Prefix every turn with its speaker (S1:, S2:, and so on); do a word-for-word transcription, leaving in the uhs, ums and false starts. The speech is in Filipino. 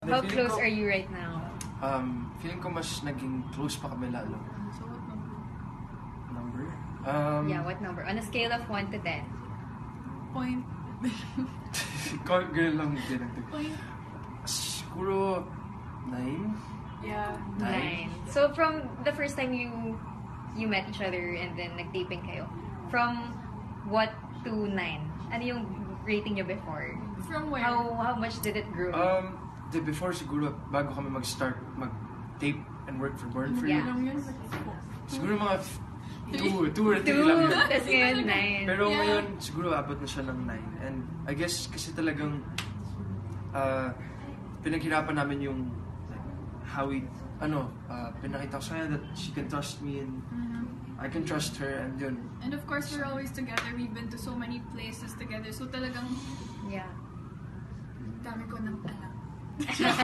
S1: How close are you right now?
S2: Um, feeling ko mas naging close pa kami lalo.
S3: So what number?
S2: Number? Um,
S1: Yeah, what number? On a scale of one to ten.
S3: Point.
S2: Call girl lang din ang
S3: Point.
S2: siguro nine?
S3: Yeah.
S1: Nine. So from the first time you you met each other and then nag-taping kayo, from what to nine? Ano yung rating nyo before?
S3: From where?
S1: How how much did it grow?
S2: Um, the before siguro bago kami mag-start mag-tape and work for Born For
S1: Yeah.
S2: You.
S3: Ilang yun?
S2: Siguro mga f- two, two or three
S1: Two,
S2: lang yun.
S1: tas ngayon nine.
S2: Pero
S3: Yeah.
S2: ngayon, siguro abot na siya ng nine. And I guess kasi talagang uh, pinaghirapan namin yung like, how we, ano, uh, pinakita ko sa kanya that she can trust me and
S3: Mhm.
S2: I can trust her and yun.
S3: And of course, we're always together. We've been to so many places together. So talagang
S1: Yeah.
S3: dami ko nang alam.